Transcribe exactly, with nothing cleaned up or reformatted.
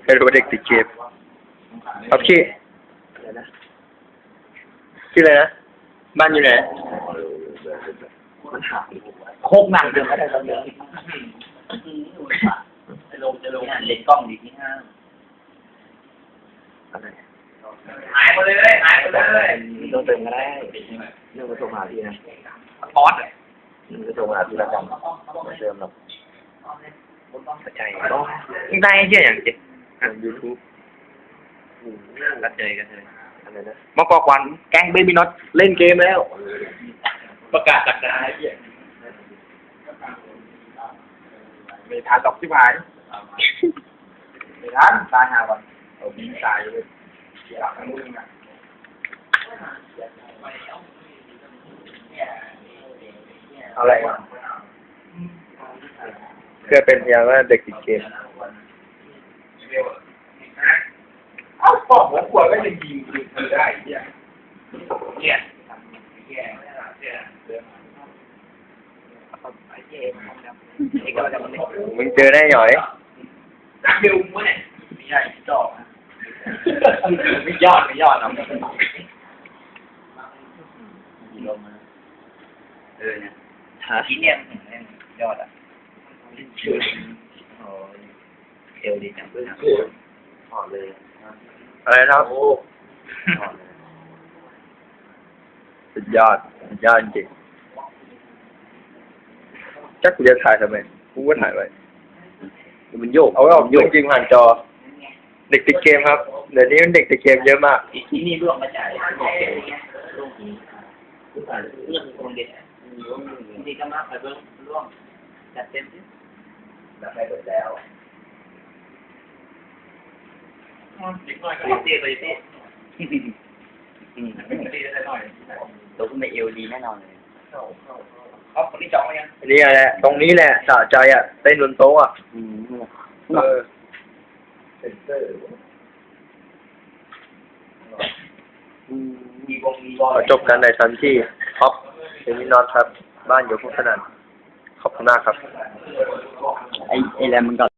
ไม่รู้ว่าเด็กติดเกมครับชื่อชื่ออะไรนะบ้านอยู่ไหนโคกหนักเดินไม่ได้ตอนนี้จะลงจะลงเล่นกล้องดีที่ห้างหายหมดเลยหายหมดเลยต้องเติมก็ได้เรื่องกระทรวงมหาดไทยนะป๊อตเลยกระทรวงมหาดไทยละกันไม่เติมหรอกเข้าใจได้เยอะอย่างจริงยูทูบก็เจอกันเลยมากอกวันแก๊งเบบี้น็อตเล่นเกมแล้วประกาศจากนายไม่ทานตกที่หายไม่ทานตายหาวันเอาบินตายเลยหลับทั้งมือนะอะไรวะเพื่อเป็นพยานว่าเด็กติดเกมเอ้าบอกเหมือนขวดก็จะยิงเธอได้เนี่ยเนี่ยเนี่ยเนี่ยมึงเจอได้หน่อยนักเบลมั้งเนี่ยไม่ใช่จอกไม่ยอดไม่ยอดนะเออเนี่ยทีเนี่ยมันยอดอ่ะชื่อโอ้เอลดีจังเลยถอดเลยอะไรครับสุดยอดสุดยอดจริงจักกูจะถ่ายทำไมกูก็ถ่ายไว้มันโยกเอาไว้ออกโยกจริงผ่านจอเด็กติดเกมครับเดี๋ยวนี้มันเด็กติดเกมเยอะมากที่นี่ร่วงมาจากร่วงเรื่องคนเด็กนี่ก็มากไปเบื้องร่วงจัดเต็มที่แบบไปหมดแล้วเด็กน้อยก็เตี้ยไปเตี้ยอืมเตี้ยได้หน่อยตัวคุณไม่เอวดีแน่นอนเลยเขาคนนี้จองไหมยังนี่แหละตรงนี้แหละสะใจอ่ะเต้นบนโต๊ะอ่ะเออขอจบกันในทันที่ท็อปเป็นมินอนครับบ้านอยู่พุทธนันท์ขอบคุณมากครับไอ้ไอ้แรมมันก็